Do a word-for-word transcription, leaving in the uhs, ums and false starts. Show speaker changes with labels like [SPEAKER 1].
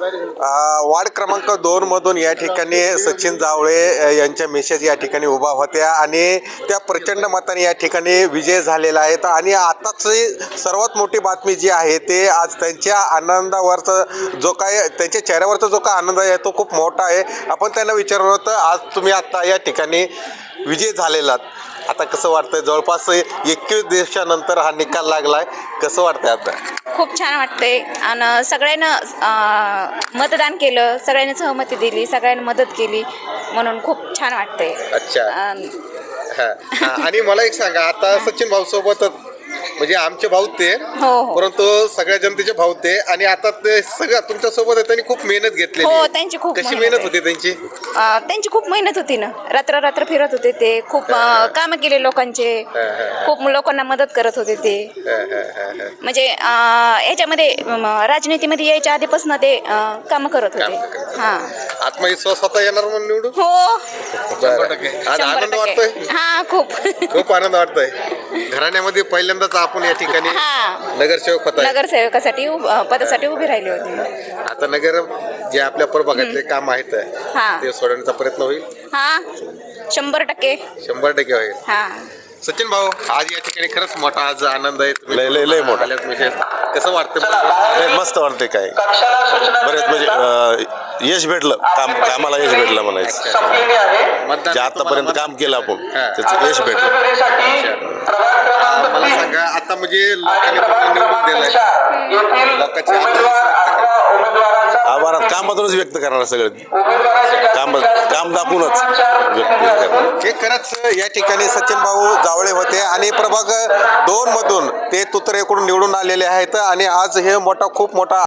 [SPEAKER 1] अ, ward क्रमांक दोन मधून या ठिकाणी सचिन जावळे अ, यांच्या मिसेस या ठिकाणी उभा होत्या आणि त्या प्रचंड मताने या ठिकाणी विजय झालेला आहे. आणि आताची सर्वात मोठी बातमी जी आहे ते आज त्यांच्या आनंदावरचा जो काय त्यांच्या चेहऱ्यावरचा जो काय आनंद आहे तो खूप मोठा आहे. आपण त्यांना विचारलं होतं, आज तुम्ही आता या ठिकाणी विजय झालेलात, आता कसं वाटतंय? जवळपास एकवीस दिवसानंतर हा निकाल लागलाय, कसं वाटतंय आता?
[SPEAKER 2] खूप छान वाटतंय आणि सगळ्यांना अं, मतदान केलं, सगळ्यांनी सहमती दिली, सगळ्यांनी मदत केली, म्हणून खूप छान वाटतंय.
[SPEAKER 1] अच्छा.
[SPEAKER 2] अं,
[SPEAKER 1] हा, हा. आणि मला एक सांगा, आता सचिन भाऊ सोबत म्हणजे आमचे भाऊ ते,
[SPEAKER 2] हो हो
[SPEAKER 1] परंतु सगळ्या जनतेचे भाऊ ते, आणि आता ते सगळं तुमच्या सोबत आहे, त्यांनी खूप मेहनत घेतलेली
[SPEAKER 2] हो
[SPEAKER 1] आहे.
[SPEAKER 2] त्यांची खूप
[SPEAKER 1] कशी
[SPEAKER 2] मेहनत
[SPEAKER 1] मेहनत
[SPEAKER 2] आहे.
[SPEAKER 1] होती त्यांची?
[SPEAKER 2] अं, त्यांची खूप मेहनत होती ना, रात्र रात्र फिरत होते ते, खूप अं, कामं केले लोकांचे, खूप लोकांना मदत करत होते ते.
[SPEAKER 1] हा, हा, हा, हा.
[SPEAKER 2] म्हणजे अं, याच्यामध्ये अं, राजनीतीमध्ये यायच्या आधीपासून ते अं, कामं करत होते.
[SPEAKER 1] कामं करत होते.
[SPEAKER 2] हां
[SPEAKER 1] आत्मविश्वास होता येणार म्हणून निवडून?
[SPEAKER 2] हो
[SPEAKER 1] शंभर टक्के. आज
[SPEAKER 2] शंभर
[SPEAKER 1] आनंद
[SPEAKER 2] टक्के.
[SPEAKER 1] वाटतोय?
[SPEAKER 2] हां खूप
[SPEAKER 1] खूप आनंद वाटतोय. घराण्यामध्ये पहिल्यांदाच आपण या ठिकाणी
[SPEAKER 2] हां
[SPEAKER 1] नगरसेवक होता.
[SPEAKER 2] नगरसेवकासाठी उभ- अं, पदासाठी उभी राहिली होती मी.
[SPEAKER 1] आता नगर जे आपल्या प्रभागातले काम आहेत
[SPEAKER 2] हां.
[SPEAKER 1] ते सोडवण्याचा प्रयत्न होईल.
[SPEAKER 2] हां शंभर टक्के.
[SPEAKER 1] शंभर टक्के होईल.
[SPEAKER 2] हां
[SPEAKER 1] सचिन भाऊ, आज या ठिकाणी खरंच मोठा आज आनंद आहे. तुम्ही
[SPEAKER 3] लय- लय- लय मोठा.
[SPEAKER 1] आल्यात विशेष. कसं वाटतं?
[SPEAKER 3] अरे मस्त वाटते. काय बरेच म्हणजे अं, यश भेटलं, काम कामाला यश भेटलं म्हणायचं.
[SPEAKER 1] मतदान
[SPEAKER 3] जे आतापर्यंत काम केलं आपण
[SPEAKER 1] हा.
[SPEAKER 3] त्याचं यश भेटलं.
[SPEAKER 1] आ, मला सांगा, आता म्हणजे लोकांनी तुम्हाला निवडून दिलंय, लोकांची आभार व्यक्त करा.
[SPEAKER 3] आभार कामातूनच व्यक्त करणार सगळं. काम काम दाखवूनच व्यक्त करणार.
[SPEAKER 1] हे खरंच या ठिकाणी सचिन भाऊ जावळे होते आणि प्रभाग दोन मधून ते तुतरेकडून निवडून आलेले आहेत आणि आज हे मोठा खूप मोठा